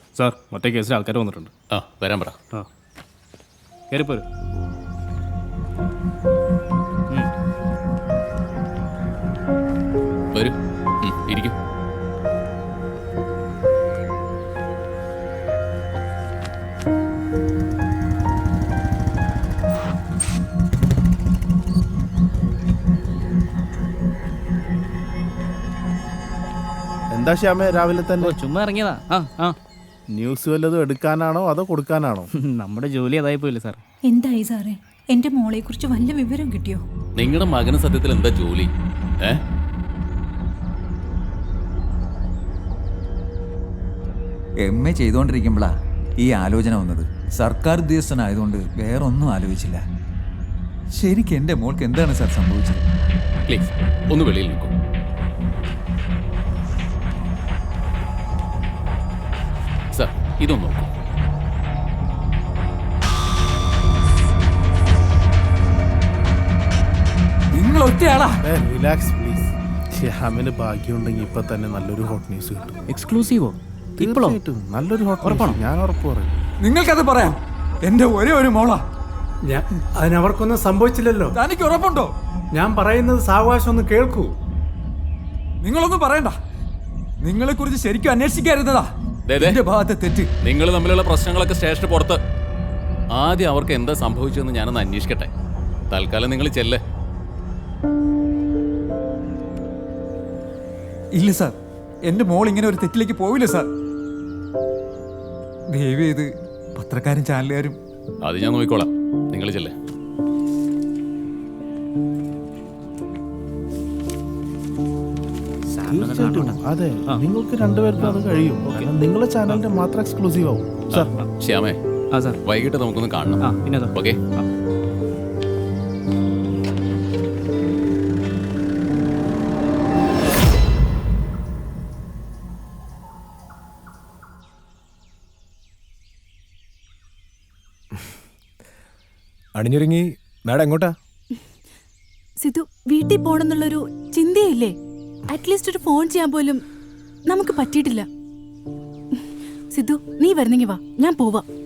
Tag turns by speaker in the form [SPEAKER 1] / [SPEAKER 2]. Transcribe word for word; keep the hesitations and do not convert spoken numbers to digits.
[SPEAKER 1] Sir മറ്റേ കേസിൽ ആൾക്കാർ വന്നിട്ടുണ്ട്.
[SPEAKER 2] ആ വരാൻ പറ.
[SPEAKER 1] ആ കയറിപ്പോരും.
[SPEAKER 2] വരൂ, ഇരിക്കും.
[SPEAKER 3] എന്താ ശ്യാമേ രാവിലെ തന്നെ?
[SPEAKER 1] ചുമ്മാ ഇറങ്ങിയതാ. ആ ആ
[SPEAKER 3] ന്യൂസ് വല്ലതും എടുക്കാനാണോ അതോ കൊടുക്കാനാണോ?
[SPEAKER 1] നമ്മുടെ ജോലി അതായി പോയില്ലേ സാർ.
[SPEAKER 4] എന്തായി സാറേ, എന്റെ മോളെ കുറിച്ച് വല്ല വിവരം കിട്ടിയോ?
[SPEAKER 2] നിങ്ങളുടെ മകന് സത്യത്തിൽ എന്താ ജോലി? ഏ
[SPEAKER 5] എം എ ചെയ്തുകൊണ്ടിരിക്കുമ്പോഴാ ഈ ആലോചന വന്നത്. സർക്കാർ ഉദ്യോഗസ്ഥനായതുകൊണ്ട് വേറൊന്നും ആലോചിച്ചില്ല. ശരിക്കും എൻ്റെ മോൾക്ക് എന്താണ് സാർ സംഭവിച്ചത്?
[SPEAKER 2] പ്ലീസ് ഒന്ന് വെളിയിൽ നിൽക്കൂ. സാർ ഇതൊന്ന് നോക്കൂ.
[SPEAKER 5] നിങ്ങൾ ഒറ്റയാളാ?
[SPEAKER 3] Relax please. ശ്യാമിന് ഭാഗ്യമുണ്ടെങ്കിൽ ഇപ്പൊ തന്നെ നല്ലൊരു ഹോട്ട് ന്യൂസ് കിട്ടും.
[SPEAKER 1] എക്സ്ക്ലൂസീവോ? ഇപ്പോഴോ?
[SPEAKER 3] തീർച്ചയായിട്ടും നല്ലൊരു ഹോട്ട് ന്യൂസ്. ഞാൻ ഉറപ്പ് പറയും.
[SPEAKER 5] നിങ്ങൾക്കത് പറയാം. എൻ്റെ ഒരേ ഒരു മോളാ.
[SPEAKER 6] ഞാൻ അതിനവർക്കൊന്നും സംഭവിച്ചില്ലല്ലോ.
[SPEAKER 5] തനിക്ക് ഉറപ്പുണ്ടോ?
[SPEAKER 6] ഞാൻ പറയുന്നത് സാവകാശം ഒന്ന് കേൾക്കൂ.
[SPEAKER 5] നിങ്ങളൊന്നും പറയണ്ട. നിങ്ങളെ കുറിച്ച് ശരിക്കും അന്വേഷിക്കാറുന്നതാ
[SPEAKER 2] ദേ, ദേ.
[SPEAKER 5] എന്റെ ഭാഗത്തെ തെറ്റ്.
[SPEAKER 2] നിങ്ങൾ തമ്മിലുള്ള പ്രശ്നങ്ങളൊക്കെ സ്റ്റേഷന് പുറത്ത്. ആദ്യം അവർക്ക് എന്താ സംഭവിച്ചതെന്ന് ഞാനൊന്ന് അന്വേഷിക്കട്ടെ. തൽക്കാലം നിങ്ങൾ ചെല്ല്.
[SPEAKER 5] ഇല്ല സാർ, എന്റെ മോൾ ഇങ്ങനെ ഒരു തെറ്റിലേക്ക് പോവില്ല സാർ. ദയവ് ചെയ്ത് പത്രക്കാരും ചാനലുകാരും.
[SPEAKER 2] അത് ഞാൻ നോക്കിക്കോളാം. നിങ്ങൾ ചെല്ല്.
[SPEAKER 3] തീർച്ചയായിട്ടും അതെ, നിങ്ങൾക്ക് രണ്ടുപേർക്കും അത് കഴിയും. കാരണം നിങ്ങളെ ചാനലിന്റെ മാത്രം എക്സ്ക്ലൂസീവ് ആവും സാർ.
[SPEAKER 2] ശ്യാമേ,
[SPEAKER 1] ആ സാർ.
[SPEAKER 2] വൈകിട്ട് നമുക്കൊന്ന് കാണണം.
[SPEAKER 1] ആ പിന്നെ സാർ.
[SPEAKER 2] ഓക്കെ.
[SPEAKER 7] അണിഞ്ഞൊരുങ്ങി മാഡം എങ്ങോട്ടാ?
[SPEAKER 4] സിധു, വീട്ടിൽ പോണെന്നുള്ളൊരു ചിന്തയില്ലേ? അറ്റ്ലീസ്റ്റ് ഒരു ഫോൺ ചെയ്യാൻ പോലും നമുക്ക് പറ്റിയിട്ടില്ല. സിധു, നീ വരുന്നെങ്കി വാ, ഞാൻ പോവാ.